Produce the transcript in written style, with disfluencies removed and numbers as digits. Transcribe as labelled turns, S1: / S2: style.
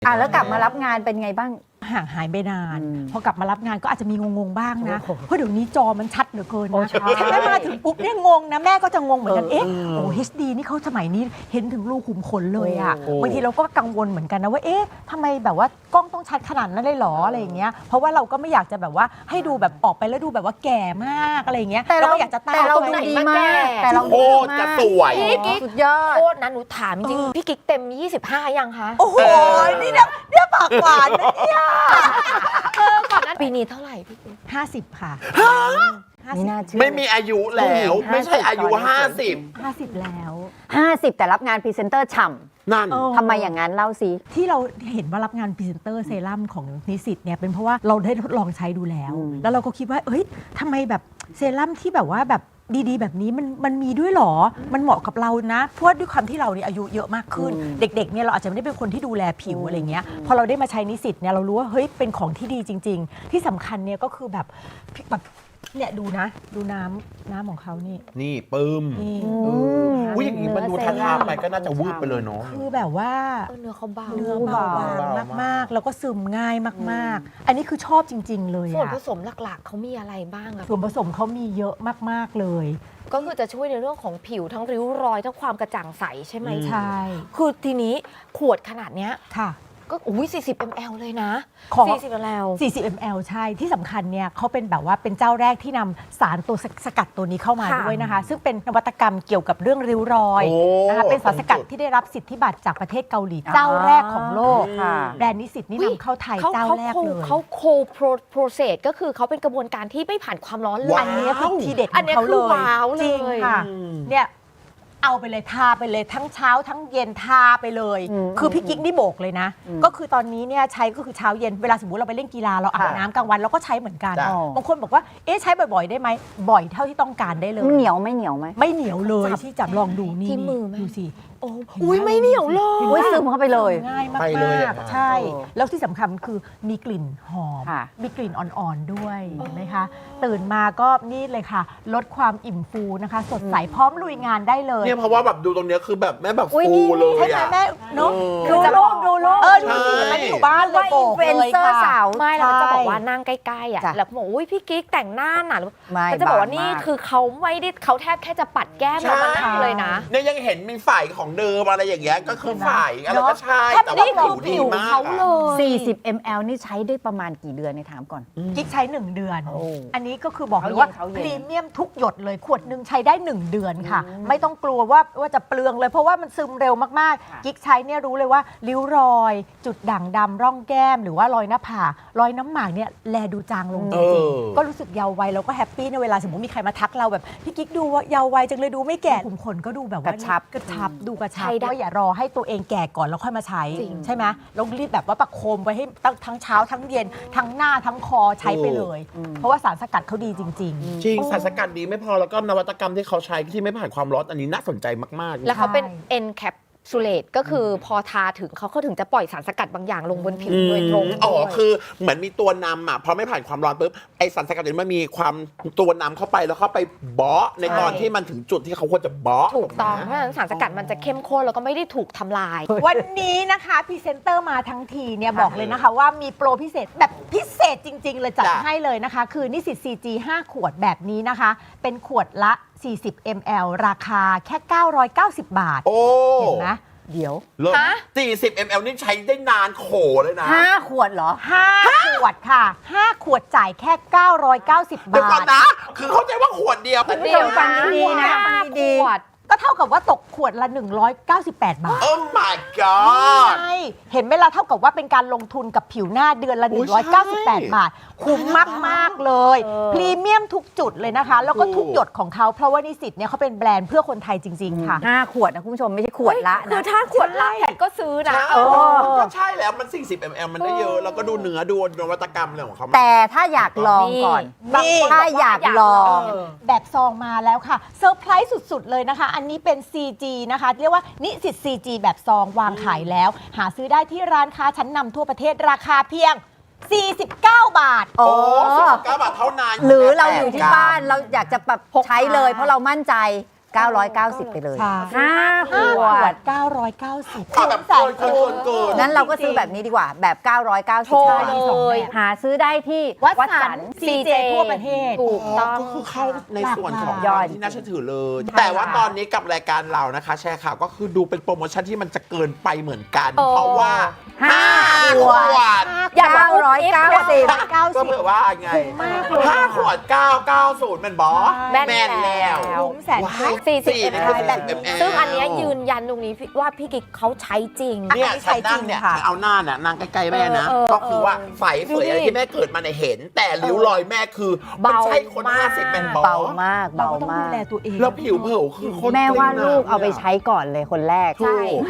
S1: แล้วกลับมารับงานเป็นไงบ้าง
S2: ห่างหายไปนานพอกลับมารับงานก็อาจจะมีงงๆบ้างนะเพราะเดี๋ยวนี้จอมันชัดเหลือเกินนะแม่มาถึงปุ๊บเนี่ยงงนะแม่ก็จะงงเหมือนกันโอ้ HD นี่เขาสมัยนี้เห็นถึงรูขุมขนเลยอ่ะบางทีเราก็กังวลเหมือนกันนะว่าทำไมแบบว่ากล้องต้องชัดขนาดนั้นเลยหรออะไรอย่างเงี้ยเพราะว่าเราก็ไม่อยากจะแบบว่าให้ดูแบบออกไปแล้วดูแบบว่าแก่มากอะไรอย่างเงี้ยเราก็อยากจะตั้ง
S1: แต่เราดูดีมากแต่เรา
S3: โคตรจะสวย
S4: พี่กิ๊ก
S1: สุดยอด
S4: โทษนะหนูถามจริงพี่กิ๊กเต็ม 25 ยังคะ
S2: โอ้โหนี่เนี่ยปากหวานนะเนี่ย
S4: ก่อนนั้นปีนี้เท่าไหร่พี่กิ๊ก
S2: 50 ค่ะ
S1: ไม่น่าเชื่อ
S3: ไม่มีอายุแล้ว ไม่ใช่อายุ
S2: 50 แล้ว
S1: 50แต่รับงานพรีเซนเตอร์ฉ่
S3: 50 นั่น
S1: ำทำไมอย่างนั้นเล่าสิ
S2: ที่เราเห็นว่ารับงานพรีเซนเตอร์เซรั่มของนิสิตเนี่ยเป็นเพราะว่าเราได้ทดลองใช้ดูแล้ว แล้วเราก็คิดว่าทำไมแบบเซรั่มที่แบบว่าแบบดีๆแบบนี้มันมีด้วยหรอมันเหมาะกับเรานะเพราะว่าด้วยความที่เราเนี่ยอายุเยอะมากขึ้น เด็กๆเนี่ยเราอาจจะไม่ได้เป็นคนที่ดูแลผิวอะไรเงี้ยพอเราได้มาใช้นิสิตเนี่ยเรารู้ว่าเป็นของที่ดีจริง ๆ ที่สำคัญเนี่ยก็คือแบบเนี่ยดูน้ำของเขานี่
S3: นี่ปึ้ม
S2: นี่
S3: อุ้ยอย่างนี้มันดูทาไปก็น่าจะวืบไปเลยเนาะ
S2: คือแบบว่า
S4: เนื้อเขาเบา
S2: เนื้อเบาบาง
S3: เบามาก
S2: มากๆ แล้วก็ซึมง่ายมากๆ อันนี้คือชอบจริง ๆ เลย
S4: ส่วน
S2: อะ
S4: ผสมหลักๆเขามีอะไรบ้างอะ
S2: ส่วนผสมเขามีเยอะมากๆเลย
S4: ก็คือจะช่วยในเรื่องของผิวทั้งริ้วรอยทั้งความกระจ่างใสใช่ไหม
S2: ใช่
S4: คือทีนี้ขวดขนาดเนี้ย
S2: ค่ะ
S4: ก็40 ml เลยนะ
S2: ของ
S4: 40 ml
S2: 40 ml ใช่ที่สำคัญเนี่ยเขาเป็นแบบว่าเป็นเจ้าแรกที่นำสารตัวสกัดตัวนี้เข้ามา
S4: ค่ะ
S2: ด้วยนะคะ ซึ่งเป็นนวัตกรรมเกี่ยวกับเรื่องริ้วรอย
S3: โอ้
S2: นะคะเป็นสารสกัดที่ได้รับสิทธิบัตรจากประเทศเกาหลีเจ้าแรกของโลก
S1: ค่ะ
S2: แบรนด์นิสิตนี่นำเข้าไทยเจ้าแรกเลย
S4: เขาโคโปรเซสก็คือเขาเป็นกระบวนการที่ไม่ผ่านความร้อนเลย
S2: อันนี้คือทีเด็ดข
S4: อั
S2: อน ง
S4: นี้
S2: เขา
S4: คื
S2: เล
S4: อย ว้าวเลย
S2: จริงค่ะเนี่ยเอาไปเลยทาไปเลยทั้งเช้าทั้งเย็นทาไปเลย คือพี่กิ๊กนี่โบกเลยนะ ก็คือตอนนี้เนี่ยใช้ก็คือเช้าเย็นเวลาสมมติเราไปเล่นกีฬาเราอาบน้ำกลางวันเราก็ใใช้เหมือนกัน
S3: จ้ะ
S2: บางคนบอกว่าใช้บ่อยๆได้ไหมบ่อยเท่าที่ต้องการได้เลย
S1: เหนียวไม่เหนียวไหม
S2: ไม่เหนียวเลยที่จับลองดูนี่
S4: ที่มือไหม
S2: ดูสิ
S4: โอ้อุ้ยไม่เหนียวเลย
S1: อุ้ยซึมเข้าไปเลย
S2: ง่ายมาก
S3: ไปเลยอะ
S2: ๆใช่ แล้วที่สำคัญคือมีกลิ่นหอม
S1: ค่ะ
S2: มีกลิ่นอ่อนๆด้วยเห็นไหมคะ ตื่นมาก็นี่เลยค่ะ ลดความอิ่มฟูนะคะ สดใสพร้อมลุยงานได้เลย
S3: เนี่ยเพราะว่าแบบดูตรงเนี้ยคือแบบแม่แบบ
S1: อุ๊ย
S3: ฟู
S1: นี่
S3: เลย
S2: ใช่ไหม
S3: อะ
S2: แม่เนาะ
S1: ดูรูปดูรูป
S2: ดูสิ
S3: ใช่
S2: มันอยู่บ้านเลย
S1: ว่า
S2: โบ
S1: อิน
S2: ก
S1: ฟลูเอน
S2: เลย
S1: เซอร์
S2: ค่ะ
S1: สาว
S4: ไม่เราจะ
S2: ใช่
S4: บอกว่านั่งใกล้ๆอ่ะ
S1: จ้ะ
S4: แล้วก็บอกอุ้ยพี่กิ๊กแต่งหน้าหนา
S1: ไม่
S4: เราจะบอกว่า
S1: บาง
S4: นี่
S1: มาก
S4: คือเขาไม่ได้เขาแทบแค่จะปัดแก้มเรามานั่งเลยนะ
S3: เนี่ยยังเห็นมีฝ่ายของเดิมอะไรอย่างเงี้ยก็คือฝ่ายอะไรก็ใช่
S4: แทบ
S3: แต่
S4: นี่
S3: ว่า
S4: คือ
S3: ผิ
S4: ผิ
S3: ว
S4: ว
S3: ดีมาก
S4: เขาเล
S3: อะ
S4: ย
S1: 40 ml นี่ใช้ได้ประมาณกี่เดือนในถามก่อน
S2: กิ๊กใช้ 1 เดือน
S1: โอ้
S2: อันนี้ก็คือบอกเลยว่า
S1: เขาเย็น
S2: พรีเมียมทุกหยดเลยขวดหนึ่งใช้ได้ 1 เดือนค่ะ ไม่ต้องกลัวว่าจะเปลืองเลยเพราะว่ามันซึมเร็วมากๆ กิ๊กใช้เนี่ยรู้เลยว่าริ้วรอย จุดด่างดำร่องแก้ม หรือว่ารอยหน้าผากรอยน้ำหมากเนี่ยแลดูจางลงจริงๆก็รู้สึกเยาว์วัยแล้วก็แฮปปี้ในเวลาสมมติมีใครมาทักเราแบบพี่กิ๊กดูว่าเยาว์วัยจังเลยดูไม่แก่ขุมขนก็ดูแบบว่าก
S1: ระชับ
S2: กระชับดูกระชับ
S4: ใช้ได้
S2: ว่าอย่ารอให้ตัวเองแก่ก่อนแล้วค่อยมาใช้
S4: จริง
S2: ใช่ไหมแล้วรีบแบบว่าประโคมไว้ให้ทั้งเช้าทั้งเย็นทั้งหน้าทั้งคอใช้ไปเลย เพราะว่าสารสกัดเขาดีจริง
S3: จริงสารสกัดดีไม่พอแล้วก็นวัตกรรมที่เขาใช้ที่ไม่ผ่านความร้อนอันนี้น่าสนใจมากๆ
S4: แล้วเขาเป็น
S2: ใช่
S4: encapsulate ก็คือพอทาถึงเขาถึงจะปล่อยสารสกัดบางอย่างลงบนผิวโดยตรง
S3: อ๋อคือเหมือนมีตัวนำอ่ะพอไม่ผ่านความร้อนปุ๊บไอสารสกัดนี้มันมีความตัวนำเข้าไปแล้วเข้าไปเบาะในตอนที่มันถึงจุดที่เขาควรจะเบาะ
S4: ถูกต้องเพราะฉะนั้นสารสกัดมันจะเข้มข้นแล้วก็ไม่ได้ถูกทำลาย
S2: วันนี้นะคะพรีเซนเตอร์มาทั้งทีเนี่ยบอกเลยนะคะว่ามีโปรพิเศษแบบพิเศษจริง ๆ เลยจัด
S3: จ้ะ
S2: ให้เลยนะคะ คือนิสิต CG 5 ขวดแบบนี้นะคะ เป็นขวดละ 40 ml ราคาแค่ 990 บาท
S3: โอ้
S2: เห็นไหมเดี๋ยว
S3: เลิศ
S4: ฮะ
S3: 40 ml นี่ใช้ได้นานโขเลยนะ
S1: 5 ขวดเหรอ
S2: 5 ขวดค่ะ 5 ขวดจ่ายแค่ 990
S3: เดี๋ยว
S2: บา
S3: ก่อน
S2: ท
S3: นะ คือเข้าใจว่าขวดเดียว
S1: เดี๋ยวฟังดีๆนะ
S4: ห้า
S1: ดี
S4: ขวด
S2: ก็เท่ากับว่าตกขวดละ 198 บาท
S3: โอ้ my god
S2: ใช่เห็นไหมล่ะเท่ากับว่าเป็นการลงทุนกับผิวหน้าเดือนละ
S3: อุ๊ยใช่
S2: 198 บาท คุ้มมาก ๆ เลย พรีเมียมทุกจุดเลยนะคะ แล้วก็ทุกหยดของเขาเพราะว่านิสิตเนี่ยเขาเป็นแบรนด์เพื่อคนไทยจริง ๆ ค่ะ
S1: 5 ขวดนะคุณผู้ชมไม่ใช่ขวดละ
S4: คื
S1: นะ
S4: อถ้าขวดละแพทก็ซื้อนะ
S3: ก็ใช่แล้วมัน 40 ml มันได้เยอะ แล้วก็ดูเนื้อดูนวัตกรรมอะไรของเขามา
S1: แต่ถ้าอยากลองก่อน
S2: นี่
S1: ถ้าอยากลอง
S2: แบบซองมาแล้วค่ะเซอร์ไพรส์สุด ๆ เลยนะคะ อันนี้เป็น CG นะคะ เรียกว่านิสิต CG แบบซองวางขายแล้ว หาซื้อได้ที่ร้านค้าชั้นนำทั่วประเทศราคาเพียง 49 บาท
S3: โอ้19 บาทเท่านั้น
S1: หรือเราอยู่ที่บ้านเราอยากจะแบบใช้เลย เพราะเรามั่นใจ 990 ไปเลย
S2: ค่ะ
S1: 5 ขวด
S2: 990
S3: เอาแบบเกิน
S1: นั้นเราก็ซื้อแบบนี้ดีกว่าแบบ 990
S4: โทร
S1: บาท
S4: เลย
S1: หาซื้อได้ที่
S2: วัดสัน CJ ทั่วประเทศ
S4: ถูกต้อง
S3: ก็คือเข้าในส่วนของ
S1: ยอด
S3: ที่น่าเชื่อถือเลย แต่ว่าตอนนี้กับรายการเรานะคะ แชร์ข่าวก็คือดูเป็นโปรโมชั่นที่มันจะเกินไปเหมือนกัน เพราะว่า
S1: 5
S3: 5 ขวด
S4: อย่าบอกว่า
S1: 990
S3: ก็เผื่อว่าไง5 ขวด 990เป็นบอส
S4: แม่น
S3: แม่นแล้ว
S2: คุ้มแสน
S3: ว้า
S2: คุ้
S3: ย
S2: ม
S4: 40
S3: นี่คือ
S4: แบบ
S3: 40 ml
S4: ซึ่งอันเนี้ยยืนยันตรงนี้ว่าพี่กิ๊กเขาใช้จริง
S3: เนี่ย
S1: อันนี้ใช้
S3: ฉันนั่งเนี่ย
S1: จริงค่ะ
S3: เอาหน้าเนี่ยนั่งใกล้ๆแม่นะ
S4: เออ
S3: ก็คือว่าใสเฟยอะไร
S4: ดูดิ
S3: ที่แม่เกิดมาเนี่ยเห็น แต่ริ้วรอยแม่คือมันใช่คน
S4: เบามาก
S3: 50เป็นบอส
S1: เบามาก
S2: เรา
S1: เบา
S2: ก็ต้อง
S1: มา
S2: ดู
S1: ก
S2: แลตัวเอง
S3: แล้วผิวเผลอคือคน
S1: แม่ว่า
S3: เกร็งม
S1: ลูกเอาไปใช้ก่อนเลยคนแรก
S3: ถูก